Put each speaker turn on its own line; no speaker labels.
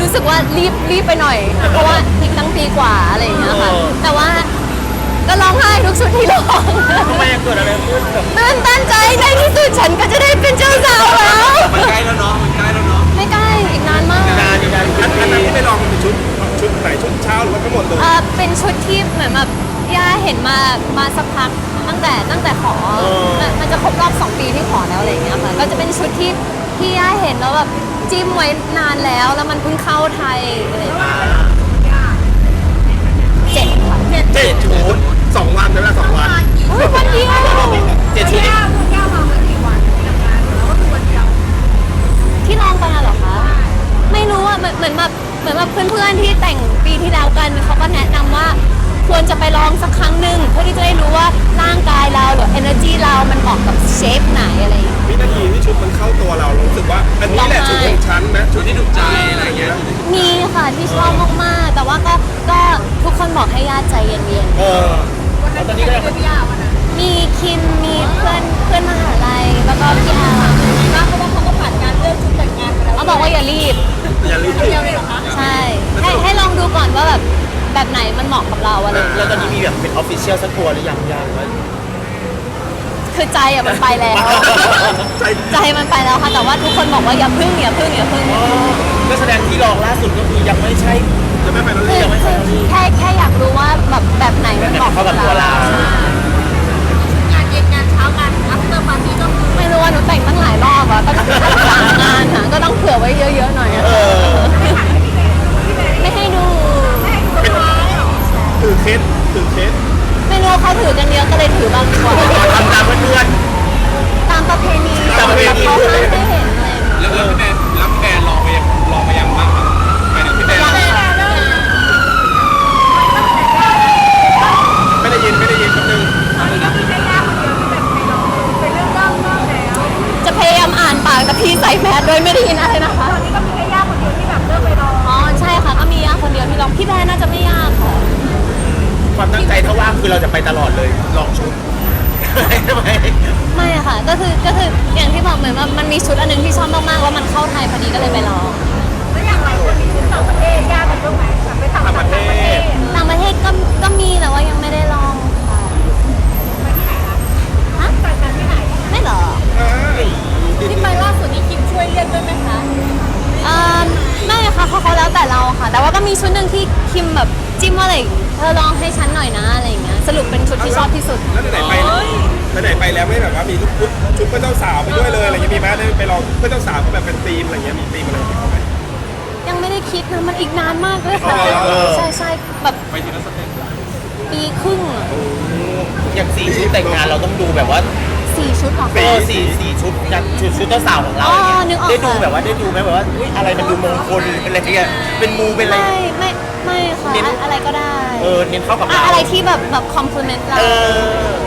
รู้สึกว่ารีบไปหน่อย เพราะว่าอีกตั้งปีกว่าอะไรอย่างเงี้ยค่ะแต่ว่าก็ร้องไห้ทุกชุดที่ร้อง
ทำไมเกิดอะไรขึ้นแบบ
ตื่นตันใจในที่สุดฉันก็จะได้เป็นเจ้าสาวแล้ว
มันใกล้แล้วเนาะมันใกล้แล้วเนาะ
ไม่ใกล้อีกนานมาก
นานอยู่นาน
อันนั้นที่ไปลองมันเป็นชุดไหนชุดเช้าหรือว่าทั้งหมดเลย
เป็นชุดที่เหมือนแบบย่าเห็นมาสักพักตั้งแต่ขอมันจะครบรอบ2 ปีที่ขอแล้วอะไรอย่างเงี้ยค่ะก็จะเป็นชุดที่ย่าเห็นแล้วแบบจิ้มไว้นานแล้วมันเพิ่งเข้าไทยอะไรอย่างเงี้ย7 ค่ะ
7 ชุด
2 วันใช่ไหม2 วัน
อุ๊ยวันเดียว
7 ชุด
ที่ลองไปน่ะเหรอคะไม่รู้อ่ะเหมือนแบบเพื่อนๆที่แต่งปีที่แล้วกันเขาก็แนะนำว่าควรจะไปลองสักครั้งหนึ่งเพื่อที่จะได้รู้ว่าร่างกายเราหรือ energy เรามันเหมาะกับเชฟไหนอะไรอย่างเงี้ย
วินาทีที่ชุดมันเข้าตัวเรารู้สึกว่าอันนี้แหละชุดของฉันนะชุดที่ถูกใจอะไรเงี้ย
มีค่ะที่ชอบมากๆแต่ว่าก็ทุกคนบอกให้ญาติใจเย็น
แล้วตอนนี้ก็ยัง
ๆมีคิมมีเพื่อนมหาลัยแล้วก็พี่อาร์เพราะว่าเขาก็ผ่านการเลือกชุดแต่งงานไปแล้วเขาบอกว่าอย่ารีบ
อย่าลืม
ใช่ให้ลองดูก่อนว่าแบบไหนมันเหมาะกับเราอะไรอย่าง
แล้
เงี้
วย ตอนนี้มีแบบเป็นออฟฟิเชียลสักตัวหรือยังว่า
คือใจอะมันไปแล้ว
ใจ
ใจมันไปแล้วค่ะแต่ว่าทุกคนบอกว่าอย่าพึ่ง
ก็แสดงที่ลองล่าสุดก็คือยังไม่ใช่
จะไม่ไปแล้ว
คื
เลย
อแค่อยากรู้ว่าแบบไหนมันเหมาะกับเรา
งานเย็นงานเช้างานอัฟเตอร์ปาร์ตี้ก็คือ
ไม่รู้ว่าหนูแต่งตั้งหลายรอบอะก็ต้อง3 งานอะก็ต้องเผื่อไว้เยอะๆหน่อยอะไม่ให้ดู
ถือเคส
ไม่รู้ว่าเขาถือกันเยอะก็เลยถือบางดีกว่า
ทำตามเพื่อน
ตามประเพณี
ตามประเพณี
เขาห้ามให้เห็นอะไรอย่างเงี้ย
แล้วพี่แมนลองไปยังบ้างครับไปถึงพี่แมนไม่ได้ยินแป๊บนึง
จะพยายามอ่านปากแต่พี่ใส่แมสโดยไม่ได้ยินอะไรนะคะอ๋อใช่ค่ะก็มีย่าคนเดียวที่ลองพี่แบร์น่าจะไม่ยากค่ะ
ๆความตั้งใจถ้าว่างคือเราจะไปตลอดเลยลองชุดทำไม
ไม่อะค่ะก็คืออย่างที่บอกเหมือนว่ามันมีชุดอันหนึงที่ชอบมากๆแล้วมันเข้าไทยพอดีก็เลยไปลอง
แล้วอย่างไรคนมีชุดต่างประเทศยากกันบ้างไหมแบบไปต่างประเทศ
ต่างประเทศก็มีแต่ว่ายังไม่ได้ลองค่ะฮะ
ต่างกันที่ไหน
ไม่เหรอ
ที่ไปล่าสุดนี้คิมช่วยเลือกด้วยไหมคะ
ไม่ค่ะเขาแล้วแต่เราค่ะ แต่ว่าก็มีชุดหนึ่งที่คิมแบบจิ้มว่าอะไรเธอลองให้ฉันหน่อยนะอะไรอย่างเงี้ยสรุปเป็นชุดที่ชอบที่สุด
แล้วไหนไปแล้วไม่แบบว่ามีชุดเพื่อนเจ้าสาวไปด้วยเลยอะไรเงี้ยมีไหมได้ไปลองเพื่อนเจ้าสาวก็แบบเป็นธีมอะไรเงี้ยมีธีมอะไรของเขาไหม
ยังไม่ได้คิดนะมันอีกนานมากเลยค่ะ ใช่แบบ
ไปทีละสเต็ป
ปีครึ่งอะ
อย่าง4 ชุดแต่งงานเราต้องดูแบบว่า
4 ชุดเหรอคะ
สี่ชุดกันชุดเจ้าสาวของเรา
อ๋อนึกออก
ได้ดู
ค่ะ
แบบว่าได้ดูไหมแบบว่าอุ๊ยอะไรมันดูมงคลอะไรเงี้ยเป็นมูเป็นอะไร
ไม่ค่ะอะไรก็ได้
เน้นเข้ากับเรา
อะไรที่แบบคอมพลีเมนต์เรา
เออ